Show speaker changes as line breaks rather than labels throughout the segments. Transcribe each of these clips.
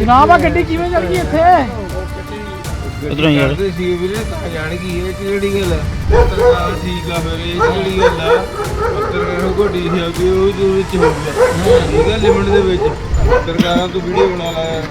ਜਨਾਬ ਆ ਗੱਡੀ ਕਿਵੇਂ ਚੱਲ ਗਈ ਇੱਥੇ?
ਉਧਰੋਂ ਯਾਰ
ਸੀ ਵੀਰੇ ਤਾਂ ਜਾਣ ਕੀ ਇਹ ਕਿਹੜੀ ਗੱਲ ਹੈ? ਪੱਤਰਕਾਰ ਠੀਕ ਆ ਫਿਰ ਇਹ ਕਿਹੜੀ ਗੱਲ ਆ? ਪੱਤਰਕਾਰ ਨੂੰ ਗੱਡੀ ਸੀ ਆਉਂਦੀ ਉਹ ਜੋ ਵਿੱਚ ਹੋ ਗਿਆ ਠੀਕ ਹੈ ਲਿਮਟ ਦੇ ਵਿੱਚ ਪੱਤਰਕਾਰਾਂ ਤੋਂ ਵੀਡੀਓ ਬਣਾ ਲਾ ਯਾਰ।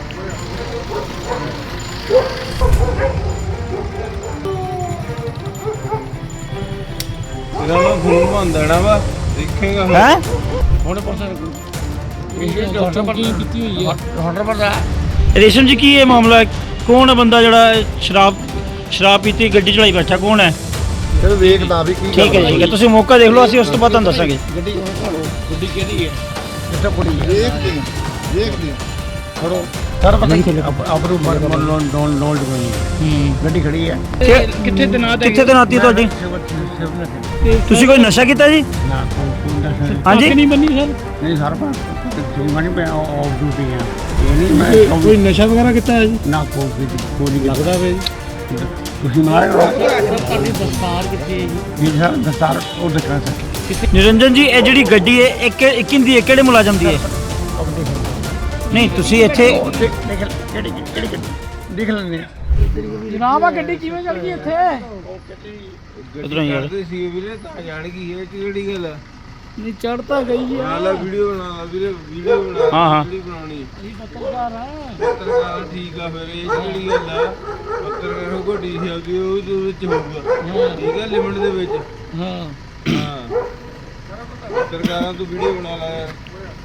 ਇਹਦਾ ਮੈਂ ਫੋਨ ਬੰਦ ਦੇਣਾ ਵਾ ਦੇਖੇਗਾ
ਹੈ
ਹੁਣ ਪਰਸਨ ਇਹ ਡਾਕਟਰ ਕੀ ਕੀਤੀ ਹੋਈ ਹੈ ਡਾਕਟਰ ਪਰਦਾ
ਰੇਸ਼ਮ ਜੀ ਕੀ ਇਹ ਮਾਮਲਾ ਹੈ? ਕੌਣ ਹੈ ਬੰਦਾ ਜਿਹੜਾ ਸ਼ਰਾਬ ਪੀਤੀ ਗੱਡੀ ਚਲਾਈ ਬੈਠਾ ਕੌਣ ਹੈ?
ਫਿਰ ਵੇਖਦਾ ਵੀ ਕੀ
ਠੀਕ ਹੈ ਤੁਸੀਂ ਮੌਕਾ ਦੇਖ ਲਓ ਅਸੀਂ ਉਸ ਤੋਂ ਬਾਅਦ ਤੁਹਾਨੂੰ ਦੱਸਾਂਗੇ।
ਗੱਡੀ ਕਿਹਦੀ ਹੈ ਕਿੱਥੇ ਪੜੀ ਹੈ
ਦੇਖਦੇ
ਥੋੜੋ ਸਰ ਪਤਾ ਨਹੀਂ ਆਪਰੂ ਨੋਟ ਗੱਡੀ ਖੜੀ ਹੈ ਕਿੱਥੇ
ਤਨਾਤੀ ਤੁਹਾਡੀ? ਤੁਸੀਂ ਕੋਈ ਨਸ਼ਾ ਕੀਤਾ ਜੀ?
ਨਾ
ਹਾਂਜੀ
ਨਹੀਂ ਬੰਨੀ ਸਰ ਨਹੀਂ ਸਰ ਮਣੀ ਮੈਂ ਆਫ ਡਿਊਟੀ ਆ ਇਹ ਨਹੀਂ ਮੈਂ ਕੋਈ ਨਸ਼ਾ ਵਗੈਰਾ ਕੀਤਾ ਹੈ ਜੀ ਨਾ ਕੋਈ ਲੱਗਦਾ ਵੇ ਤੁਸੀਂ ਮਾਰੇ ਤੁਹਾਡੀ ਦਸਤਾਰ ਕਿੱਥੇ ਹੈ ਜੀ ਸਰ ਦਸਤਾਰ ਉਹ ਦਿਖਾ ਸਕੇ
ਨਿਰੰਜਨ ਜੀ ਇਹ ਜਿਹੜੀ ਗੱਡੀ ਹੈ ਇੱਕ ਦੀ ਕਿਹੜੇ ਮੁਲਾਜ਼ਮ ਦੀ ਹੈ? ਨਹੀਂ ਤੁਸੀਂ ਇੱਥੇ
ਕਿਹੜੀ ਦੇਖ ਲੈਂਦੇ ਆ ਜਨਾਬ ਆ ਗੱਡੀ ਕਿਵੇਂ ਚੱਲ ਗਈ ਇੱਥੇ?
ਉਧਰੋਂ ਯਾਰ
ਸੀ ਵੀਰੇ ਤਾਂ ਜਾਣ ਕੀ ਇਹ ਕਿਹੜੀ ਗੱਲ ਹੈ?
ਨਹੀਂ ਚੜ ਤਾਂ ਗਈ
ਬਣਾ ਲਾ ਵੀਡੀਓ ਬਣਾ ਲਾ ਵੀਰੇ ਵੀਡੀਓ ਬਣਾ
ਹਾਂ
ਵੀਡੀਓ ਬਣਾਉਣੀ
ਅਸੀਂ ਪੱਤਰਕਾਰ ਆ
ਪੱਤਰਕਾਰ ਠੀਕ ਆ ਫਿਰ ਇਹ ਕਿਹੜੀ ਗੱਲ ਆ? ਪੱਤਰਕਾਰ ਨੂੰ ਗੱਡੀ ਸੀ ਆਉਂਦੀ ਉਹ ਜੋ ਵਿੱਚ ਹੋ ਗਿਆ ਠੀਕ ਹੈ ਲਿਮਟ ਦੇ ਵਿੱਚ
ਹਾਂ
ਹਾਂ ਪੱਤਰਕਾਰਾਂ ਤੋਂ ਵੀਡੀਓ ਬਣਾ ਲਾ ਯਾਰ।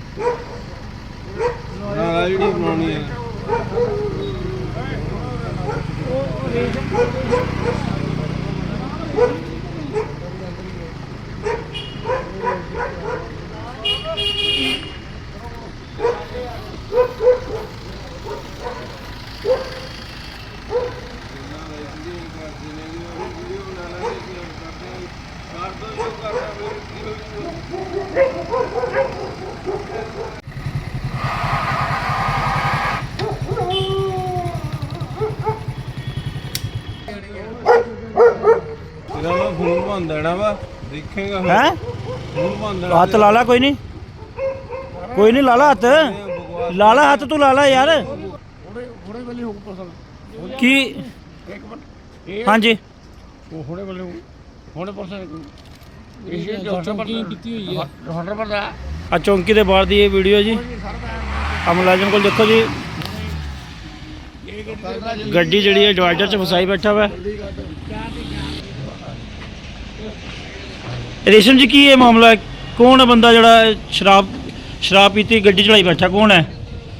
ਬਣਾ ਲਾ ਵੀਡੀਓ ਬਣਾਉਣੀ ਹੈ ਇਹਦਾ ਮੈਂ ਫੋਨ ਬੰਦ ਦੇਣਾ ਵਾ ਦੇਖੇਗਾ
ਹੈ
ਫੋਨ ਬੰਦ ਦੇਣਾ
ਹੱਥ ਲਾ ਲਾ ਕੋਈ ਨਹੀਂ ਲਾ ਲਾ ਹੱਥ ਤੂੰ ਲਾ ਲਾ ਯਾਰ
ਹੁਣੇ ਵੇਲੇ ਹੋ ਪਰਸਨ
ਕੀ
ਇੱਕ ਮਿੰਟ
ਹਾਂਜੀ
ਉਹ ਹੁਣੇ ਵੇਲੇ ਹੁਣੇ ਪਰਸਨ ਇਹ ਡਾਕਟਰ ਕੀ ਕੀਤੀ ਹੋਈ ਹੈ ਡਾਕਟਰ ਪਰਦਾ
ਆ ਚੌਂਕੀ ਦੇ ਬਾਹਰ ਦੀ ਇਹ ਵੀਡੀਓ ਜੀ ਆ ਮੁਲਾਜ਼ਮ ਕੋਲ ਦੇਖੋ ਜੀ ਗੱਡੀ ਜਿਹੜੀ ਹੈ ਡਿਵਾਈਡਰ 'ਚ ਫਸਾਈ ਬੈਠਾ ਵਾ। ਰੇਸ਼ਮ ਜੀ ਕੀ ਇਹ ਮਾਮਲਾ ਹੈ? ਕੌਣ ਹੈ ਬੰਦਾ ਜਿਹੜਾ ਸ਼ਰਾਬ ਪੀਤੀ ਗੱਡੀ ਚਲਾਈ ਬੈਠਾ ਕੌਣ ਹੈ?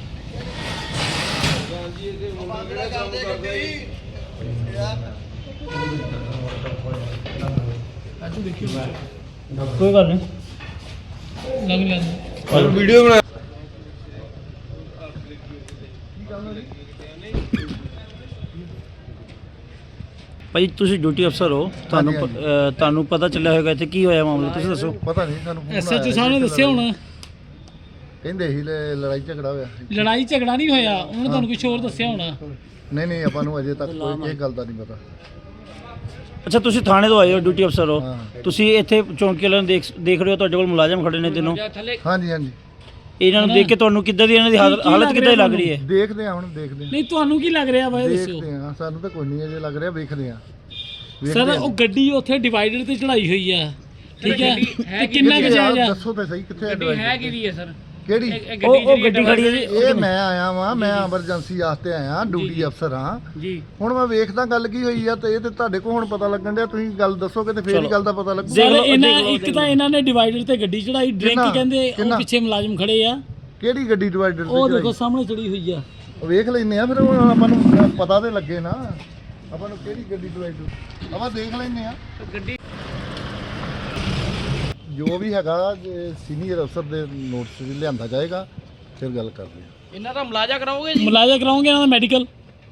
ਕੋਈ ਗੱਲ ਨਹੀਂ
ਲੱਗ ਲਿਆ
ਵੀਡੀਓ ਬਣਾ
ਭਾਈ ਤੁਸੀਂ ਡਿਊਟੀ ਅਫਸਰ ਹੋ ਤੁਹਾਨੂੰ ਪਤਾ ਚੱਲਿਆ ਹੋਵੇਗਾ ਇੱਥੇ ਕੀ ਹੋਇਆ ਮਾਮਲਾ ਤੁਸੀਂ ਦੱਸੋ।
ਪਤਾ ਨਹੀਂ ਸਾਨੂੰ phone
ਐਸਐਚਓ
ਆਇਆ
ਸਾਹਿਬ ਨੇ ਦੱਸਿਆ ਹੋਣਾ
ਕਹਿੰਦੇ ਸੀ ਲੜਾਈ ਝਗੜਾ ਹੋਇਆ
ਲੜਾਈ ਝਗੜਾ ਨਹੀਂ ਹੋਇਆ ਉਹਨੇ ਤੁਹਾਨੂੰ ਕੁਝ ਹੋਰ ਦੱਸਿਆ ਹੋਣਾ
ਨਹੀਂ ਆਪਾਂ ਨੂੰ ਅਜੇ ਤੱਕ ਕੋਈ ਕਿਸੇ ਗੱਲ ਦਾ ਨਹੀਂ ਪਤਾ।
ਅੱਛਾ ਤੁਸੀਂ ਥਾਣੇ ਤੋਂ ਆਏ ਹੋ ਡਿਊਟੀ ਅਫਸਰ ਹੋ
ਹਾਂ।
ਤੁਸੀਂ ਇੱਥੇ ਚੌਂਕੀ ਵਾਲਿਆਂ ਨੂੰ ਦੇਖ ਰਹੇ ਹੋ ਤੁਹਾਡੇ ਕੋਲ ਮੁਲਾਜ਼ਮ ਖੜੇ ਨੇ ਤਿੰਨੋਂ
ਹਾਂਜੀ
ਇਹਨਾਂ ਨੂੰ ਦੇਖ ਕੇ ਤੁਹਾਨੂੰ ਕਿੱਦਾਂ ਦੀ ਇਹਨਾਂ ਦੀ ਹਾਲਤ ਕਿੱਦਾਂ ਦੀ ਲੱਗ ਰਹੀ ਹੈ?
ਦੇਖਦੇ ਆ ਹੁਣ ਦੇਖਦੇ ਆ
ਨਹੀਂ ਤੁਹਾਨੂੰ ਕੀ ਲੱਗ ਰਿਹਾ ਬਾਈ ਦੱਸੋ
ਦੇਖਦੇ ਆ ਸਾਨੂੰ ਤਾਂ ਕੋਈ ਨਹੀਂ ਅਜੇ ਲੱਗ ਰਿਹਾ ਵੇਖਦੇ ਆ
ਸਰ ਉਹ ਗੱਡੀ ਉੱਥੇ ਡਿਵਾਈਡਰ ਤੇ ਚੜਾਈ ਹੋਈ ਆ ਠੀਕ ਹੈ ਤੇ ਕਿੰਨਾ ਕੁ ਜਾਇਜ਼ ਆ
ਦੱਸੋ ਤੇ ਸਹੀ ਕਿੱਥੇ
ਹੈ ਕਿਹਦੀ ਹੈ ਸਰ
ਕਿਹੜੀ
ਉਹ ਗੱਡੀ ਖੜੀ ਹੈ ਜੀ
ਇਹ ਮੈਂ ਆਇਆ ਵਾਂ ਮੈਂ ਐਮਰਜੈਂਸੀ ਵਾਸਤੇ ਆਇਆ ਡਿਊਟੀ ਅਫਸਰ ਹਾਂ
ਜੀ
ਹੁਣ ਮੈਂ ਵੇਖਦਾ ਗੱਲ ਕੀ ਹੋਈ ਆ ਤੇ ਇਹ ਤੇ ਤੁਹਾਡੇ ਕੋਲ ਹੁਣ ਪਤਾ ਲੱਗਣ ਡਿਆ ਤੁਸੀਂ ਗੱਲ ਦੱਸੋਗੇ ਤੇ ਫੇਰ ਹੀ ਗੱਲ ਦਾ ਪਤਾ ਲੱਗੂ।
ਸਰ ਇੱਕ ਤਾਂ ਇਹਨਾਂ ਨੇ ਡਿਵਾਈਡਰ ਤੇ ਗੱਡੀ ਚੜਾਈ ਡਰਿੰਕ ਕਹਿੰਦੇ ਉਹ ਪਿੱਛੇ ਮੁਲਾਜ਼ਮ ਖੜੇ ਆ
ਕਿਹੜੀ ਗੱਡੀ ਡਿਵਾਈਡਰ ਤੇ
ਉਹ ਦੇਖੋ ਸਾਹਮਣੇ ਚੜੀ ਹੋਈ ਆ
ਵੇਖ ਲੈਨੇ ਆ ਫਿਰ ਹੁਣ ਆਪਾਂ ਨੂੰ ਪਤਾ ਤੇ ਲੱਗੇ ਨਾ ਆਪਾਂ ਨੂੰ ਕਿਹੜੀ ਗੱਡੀ ਡਿਵਾਈਡਰ ਆਪਾਂ ਦੇਖ ਲੈਨੇ ਆ
ਗੱਡੀ
ਜੋ ਵੀ ਹੈਗਾ ਸੀਨੀਅਰ ਅਫਸਰ ਦੇ ਨੋਟਿਸ ਵਿੱਚ ਲਿਆਂਦਾ ਜਾਏਗਾ ਫਿਰ ਗੱਲ ਕਰਦੇ ਆ।
ਇਹਨਾਂ ਦਾ ਮੁਲਾਜ਼ਾ ਕਰਾਓਗੇ ਇਹਨਾਂ ਦਾ ਮੈਡੀਕਲ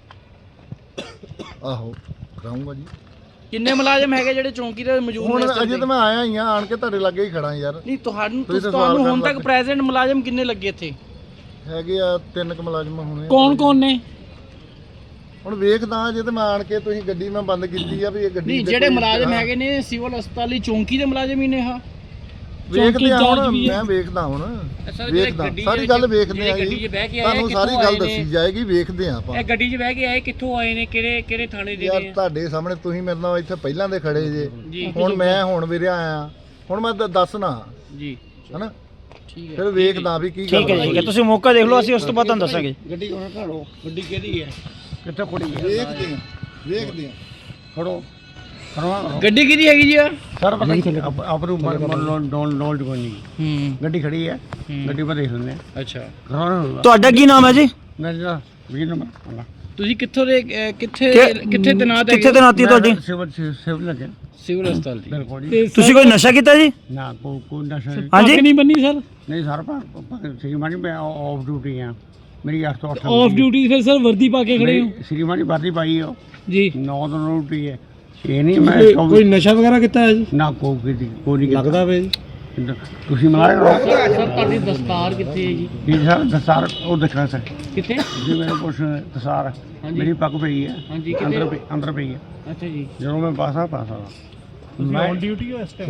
ਆਹੋ ਕਰਾਉਂਗਾ ਜੀ।
ਕਿੰਨੇ ਮੁਲਾਜ਼ਮ ਹੈਗੇ ਜਿਹੜੇ ਚੌਂਕੀ ਦੇ ਮੌਜੂਦ
ਹੁਣ
ਨੇ?
ਅਜੇ ਤਾਂ ਮੈਂ ਆਇਆ ਹੀ ਆ ਆਣ ਕੇ ਤੁਹਾਡੇ ਲਾਗੇ ਹੀ ਖੜਾ ਯਾਰ।
ਨਹੀਂ ਤੁਹਾਨੂੰ
ਤੁਸੀਂ ਤਾਂ ਸਵਾਲ
ਹੁਣ
ਕਰਨ
ਤੱਕ ਪ੍ਰੈਜ਼ੈਂਟ ਮੁਲਾਜ਼ਮ ਕਿੰਨੇ ਲੱਗੇ ਇੱਥੇ?
ਹੈਗੇ ਆ 3 ਕੁ ਮੁਲਾਜ਼ਮ ਹੋਣੇ।
ਕੌਣ ਨੇ?
ਹੁਣ ਵੇਖਦਾ ਜੇ ਤੇ ਮੈਂ ਆਣ ਕੇ ਤੁਸੀਂ ਗੱਡੀ ਮੈਂ ਬੰਦ ਕੀਤੀ ਆ ਵੀ ਇਹ ਗੱਡੀ
ਨਹੀਂ ਜਿਹੜੇ ਮੁਲਾਜ਼ਮ ਹੈਗੇ ਨੇ ਸਿਵਲ ਹਸਪਤਾਲ ਦੀ ਚੌਂਕੀ ਦੇ ਮੁਲਾਜ਼ਮ ਹੀ ਨੇ ਹਾਂ
ਵੇਖਦੇ ਆ ਹੁਣ ਮੈਂ ਵੇਖਦਾ ਹੁਣ ਵੇਖਦਾ ਸਾਰੀ ਗੱਲ ਵੇਖਦੇ ਆ ਜੀ ਤੁਹਾਨੂੰ ਸਾਰੀ ਗੱਲ ਦੱਸੀ ਜਾਏਗੀ ਵੇਖਦੇ ਆ ਆਪਾਂ
ਇਹ ਗੱਡੀ 'ਚ ਬਹਿ ਕੇ ਆਏ ਕਿੱਥੋਂ ਆਏ ਨੇ ਕਿਹੜੇ ਥਾਣੇ ਦੇ
ਯਾਰ
ਨੇ
ਤੁਹਾਡੇ ਸਾਹਮਣੇ ਤੁਸੀਂ ਮੇਰੇ ਨਾਲ ਇੱਥੇ ਪਹਿਲਾਂ ਦੇ ਖੜੇ ਜੇ ਹੁਣ ਮੈਂ ਵੀਰੇ ਆਇਆ ਹੁਣ ਮੈਂ ਦੱਸਣਾ
ਜੀ
ਹਨਾ ਫਿਰ ਵੇਖਦਾ ਵੀ ਕੀ
ਠੀਕ ਹੈ ਠੀਕ ਹੈ ਤੁਸੀਂ ਮੌਕਾ ਦੇਖ ਲਓ ਅਸੀਂ ਉਸ ਤੋਂ ਬਾਅਦ ਤੁਹਾਨੂੰ ਦੱਸਾਂਗੇ
ਗੱਡੀ ਉਹਨਾਂ ਘੜੋ ਗੱਡੀ ਕਿਹਦੀ ਹੈ ਕਿੱਥੇ ਖੜੀ ਹੈ
ਵੇਖਦੇ ਆ
ਖੜੋ ਖੜਵਾ
ਗੱਡੀ ਕਿਹਦੀ ਹੈਗੀ ਜੀ ਆ
ਸਰ ਪਤਾ ਨਹੀਂ ਆਪ ਨੂੰ ਨੋਲਡ ਕੋਈ ਨਹੀਂ ਗੱਡੀ ਖੜੀ ਹੈ ਗੱਡੀ ਪਰ ਦੇਖ ਲੈਂਦੇ ਆ
ਅੱਛਾ
ਤੁਹਾਡਾ ਕੀ ਨਾਮ ਹੈ ਜੀ
ਮੇਰਾ 20 ਨੰਬਰ
ਤੁਸੀਂ ਕਿੱਥੋਂ ਦੇ ਕਿੱਥੇ ਤੈਨਾਤ
ਕਿੱਥੇ ਤੈਨਾਤੀ ਹੈ ਤੁਹਾਡੀ
ਸਿਵਲ ਲੱਗੇ
ਸਿਵਲ ਹਸਪਤਾਲ ਦੀ
ਬਿਲਕੁਲ ਜੀ
ਤੁਸੀਂ ਕੋਈ ਨਸ਼ਾ ਕੀਤਾ ਜੀ
ਨਾ ਕੋਈ ਨਸ਼ਾ
ਹਾਂਜੀ
ਨਹੀਂ ਬੰਨੀ ਸਰ
ਨਹੀਂ ਸਰ ਸ਼੍ਰੀਮਾਨੀ ਮੈਂ ਆਫ ਡਿਊਟੀ ਆ ਮੇਰੀ 8 ਤੋਂ 8
ਆਫ ਡਿਊਟੀ ਫਿਰ ਸਰ ਵਰਦੀ ਪਾ ਕੇ ਖੜੇ ਹੋ
ਸ਼੍ਰੀਮਾਨੀ ਵਰਦੀ ਪਾਈ ਹੋ
ਜੀ
9 ਤੋਂ ਡਿਊਟੀ ਹੈ ਇਹ ਨਹੀਂ ਮੈਂ
ਕੋਈ ਨਸ਼ਾ ਵਗੈਰਾ ਕੀਤਾ ਹੈ ਜੀ
ਨਾ ਕੋਈ ਨਹੀਂ
ਲੱਗਦਾ ਵੇ ਜੀ
ਤੁਸੀਂ ਮਲਾਇਆ
ਸਰ ਤੁਹਾਡੀ ਦਸਤਾਰ ਕਿੱਥੇ ਹੈ ਜੀ
ਜੀ ਸਰ ਦਸਾਰ ਉਹ ਦੇਖਣਾ ਸਰ
ਕਿੱਥੇ
ਜੀ ਮੇਰੇ ਪੁੱਛ ਦਸਾਰ ਮੇਰੀ ਪੱਗ ਪਈ ਹੈ
ਹਾਂਜੀ
ਅੰਦਰ ਪਈ ਹੈ
ਅੱਛਾ ਜੀ
ਜਦੋਂ ਮੈਂ ਪਾਸਾ ਮੈਂ
ਔਨ ਡਿਊਟੀ ਹੋ ਇਸ ਟਾਈਮ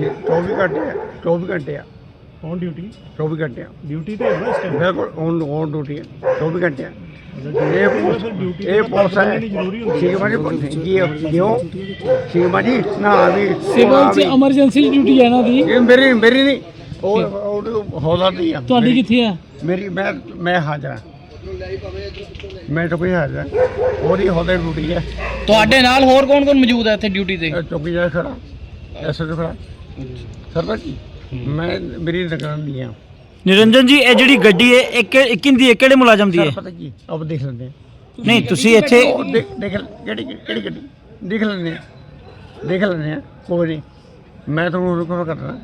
24 ਘੰਟੇ ਆ
ਔਨ ਡਿਊਟੀ
24 ਘੰਟੇ ਆ
ਡਿਊਟੀ ਤੇ ਹੋ ਇਸ ਟਾਈਮ
ਬਿਲਕੁਲ ਔਨ ਡਿਊਟੀ ਹੈ 24 ਘੰਟੇ ਆ ਇਹ ਪੁਲਿਸ ਹੈ ਸ਼ਿਵਮਾਨੀ ਜੀ ਕਿਉਂ ਸ਼ਿਵਮਾਨੀ ਨਾ ਵੀ
ਸਿਵਲ ਚ ਐਮਰਜੈਂਸੀ ਡਿਊਟੀ ਹੈ ਨਾ ਦੀ
ਇਹ ਮੇਰੀ ਨਹੀਂ ਉਹ ਹੌਲਾ ਦੀ ਆ
ਤੁਹਾਡੀ ਕਿੱਥੇ ਆ
ਮੇਰੀ ਮੈਂ ਹਾਜ਼ਰ ਹਾਂ ਮੈਂ ਤਾਂ ਕੋਈ ਹਾਜ਼ਰ ਉਹਦੀ ਹੌਲੇ ਡਿਊਟੀ ਹੈ
ਤੁਹਾਡੇ ਨਾਲ ਹੋਰ ਕੌਣ ਮੌਜੂਦ ਹੈ ਇੱਥੇ ਡਿਊਟੀ ਤੇ
ਚੌਕੀ ਜਾ ਖੜਾ ਐਸੇ ਤੋਂ ਖੜਾ ਸਰਦਾਰ ਜੀ ਮੈਂ ਮੇਰੀ ਦੁਕਾਨ ਦੀ ਆ
ਨਿਰੰਜਨ ਜੀ ਇਹ ਜਿਹੜੀ ਗੱਡੀ ਹੈ ਇਹ ਕਿੰਦੀ ਹੈ ਕਿਹੜੇ ਮੁਲਾਜ਼ਮ ਦੀ ਹੈ
ਪਤਾ ਕੀ ਆਪ ਦੇਖ ਲੈਂਦੇ ਆ
ਨਹੀਂ ਤੁਸੀਂ ਇੱਥੇ
ਉਹ ਦੇਖ ਕਿਹੜੀ ਗੱਡੀ ਦੇਖ ਲੈਂਦੇ ਆ ਕੋਈ ਨਹੀਂ ਮੈਂ ਤੁਹਾਨੂੰ ਰੁਕਵਾ ਕਰਦਾ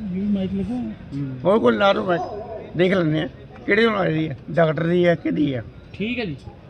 ਹੋਰ ਕੋਈ ਲਾ ਦੋ ਮੈਂ ਦੇਖ ਲੈਂਦੇ ਆ ਕਿਹੜੇ ਨਾਲ ਦੀ ਹੈ ਡਾਕਟਰ ਦੀ ਹੈ ਕਿਹਦੀ ਹੈ
ਠੀਕ ਹੈ ਜੀ